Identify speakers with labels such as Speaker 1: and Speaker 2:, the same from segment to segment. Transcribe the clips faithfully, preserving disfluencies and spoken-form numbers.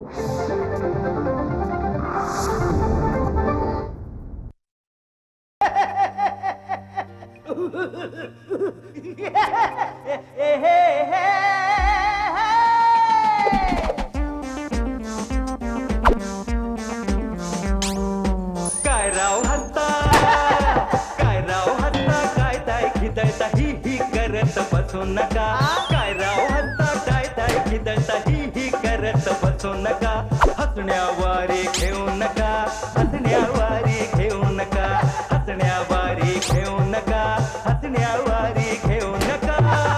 Speaker 1: काय राव हत्ता काय राव हत्ता काय ताय खिदळता ही ही करत बसू नका काय राव हत्ता काय ताय खिदळता ही ही करत बसू नका हसण्यावारे घेऊ नका हसण्यावारे घेऊ नका हसण्यावारे घेऊ नका हसण्यावारे घेऊ नका.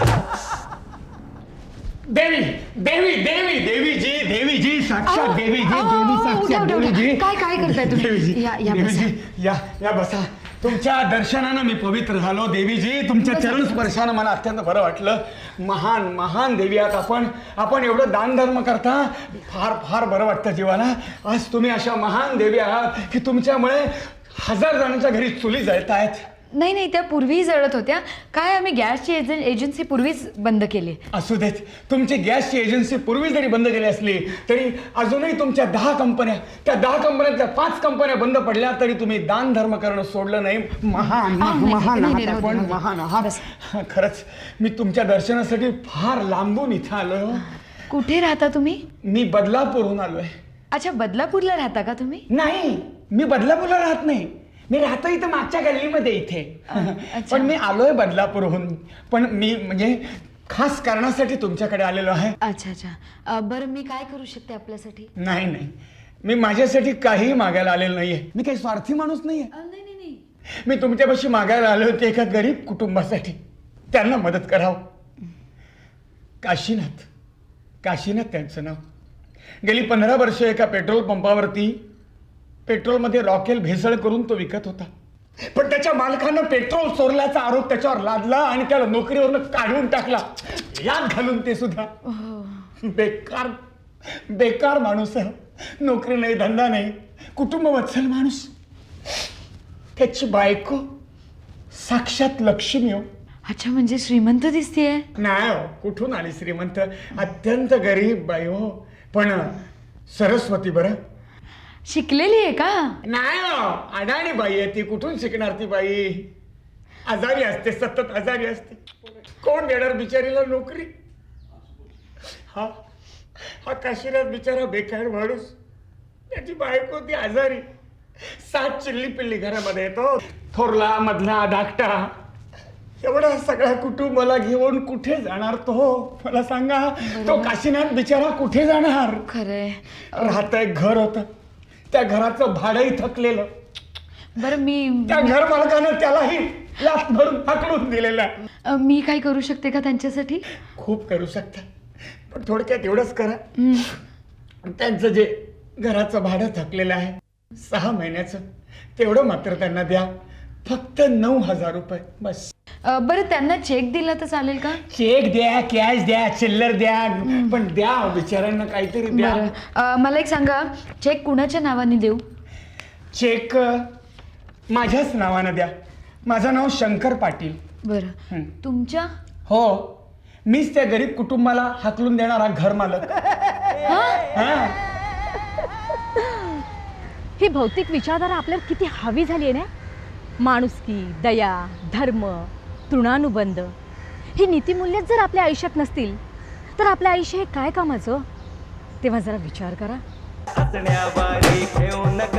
Speaker 2: देवी देवी देवी देवीजी देवीजी साक्षात देवीजी देवी साक्षात देवीजी.
Speaker 3: काय काय करताय तुम्ही?
Speaker 2: देवीजी
Speaker 3: या या बसा.
Speaker 2: देवीजी या या बसा. तुमच्या दर्शनानं मी पवित्र झालो देवीजी. तुमच्या चरण स्पर्शानं मला अत्यंत बरं वाटलं. महान महान देवी आहात आपण. आपण एवढं दानधर्म करता फार फार बरं वाटतं जीवाला. आज तुम्ही अशा महान देवी आहात की तुमच्यामुळे हजार जणांच्या घरी चुली जळत आहेत.
Speaker 3: नाही नाही, त्या पूर्वी जळत होत्या. काय आम्ही गॅसची एजन एजन्सी पूर्वीच बंद केली.
Speaker 2: असू देत. तुमची गॅसची एजन्सी पूर्वी जरी बंद केली असली तरी अजूनही तुमच्या दहा कंपन्या त्या दहा कंपन्यातल्या पाच कंपन्या बंद पडल्या तरी तुम्ही दान धर्म करणं सोडलं नाही. महान महान आहात आपण. महान आहात खरंच. मी तुमच्या दर्शनासाठी फार लांबून इथं आलोय.
Speaker 3: कुठे राहता तुम्ही?
Speaker 2: मी बदलापूरहून आलोय.
Speaker 3: अच्छा, बदलापूरला राहता का तुम्ही?
Speaker 2: नाही, मी बदलापूरला राहत नाही. मी राहतो इथं मागच्या गल्लीमध्ये इथे. पण मी आलोय बदलापूरहून. पण मी म्हणजे खास कारणासाठी तुमच्याकडे आलेलो आहे.
Speaker 3: अच्छा अच्छा. बरं, मी काय करू शकते आपल्यासाठी?
Speaker 2: नाही नाही, मी माझ्यासाठी काही मागायला आलेलो नाहीये. मी काही स्वार्थी माणूस नाहीये.
Speaker 3: नाही नाही नाही.
Speaker 2: मी तुमच्यापाशी मागायला आले होते एका गरीब कुटुंबासाठी. त्यांना मदत करावं. काशीनाथ काशीनाथ त्यांचं नाव. गेली पंधरा वर्ष एका पेट्रोल पंपावरती पेट्रोलमध्ये रॉकेल भेसळ करून तो विकत होता. पण त्याच्या मालकानं पेट्रोल चोरल्याचा आरोप त्याच्यावर लादला आणि त्याला नोकरीवरनं काढून टाकला. यात घालून ते सुद्धा. बेकार बेकार माणूस आहे. नोकरी नाही, धंदा नाही, कुटुंब वत्सल माणूस. त्याची बायको साक्षात लक्ष्मी हो.
Speaker 3: अच्छा, म्हणजे श्रीमंत दिसतीये?
Speaker 2: नाही हो, कुठून आली श्रीमंत. अत्यंत गरीब बाई हो. पण सरस्वती बरं.
Speaker 3: शिकलेली आहे का?
Speaker 2: नाही हो, अडाणी बाई आहे ती. कुठून शिकणार ती बाई. आजारी असते, सतत आजारी असते. कोण देणार बिचारीला नोकरी. हा हा काशीनाथ बिचारा बेकार माणूस. त्याची बायको ती आजारी. सात चिल्ली पिल्ली घरामध्ये येतो. थोरला मधला धाकटा एवढा सगळ्या कुटुंबाला घेऊन कुठे जाणार तो. मला सांगा, तो काशीनाथ बिचारा कुठे जाणार.
Speaker 3: खरंय.
Speaker 2: राहत एक घर होतं. त्या घराचं भाडंही थकलेलं.
Speaker 3: बरं, मी
Speaker 2: त्या घर मालकानं त्यालाही लाथ भरून हाकलून दिलेला.
Speaker 3: मी काय करू शकते का त्यांच्यासाठी?
Speaker 2: खूप करू शकता, पण थोडक्यात एवढंच करा. त्यांचं जे घराचं भाडं थकलेलं आहे सहा महिन्याचं, तेवढं मात्र त्यांना द्या. फक्त नऊ हजार रुपये बस.
Speaker 3: बरं, त्यांना चेक दिला तर चालेल का?
Speaker 2: चेक द्या, कॅश द्या, चिल्लर द्या, पण द्या बिचाऱ्यांना काहीतरी द्या.
Speaker 3: बरं, मला एक सांगा, चेक कुणाच्या नावाने देऊ?
Speaker 2: चेक माझ्याच नावानं द्या. माझं नाव शंकर पाटील.
Speaker 3: बरं, तुमच्या?
Speaker 2: हो, मीच त्या गरीब कुटुंबाला हाकलून देणारा घर मालक.
Speaker 4: ही भौतिक विचारधारा आपल्याला किती हवी झाली आहे ना. माणुसकी, दया, धर्म, तृणानुबंध ही नीतिमूल्यच जर आपल्या आयुष्यात नसतील तर आपलं आयुष्य हे काय कामाचं. तेव्हा जरा विचार करा.
Speaker 1: हसण्यावारे घेऊ नका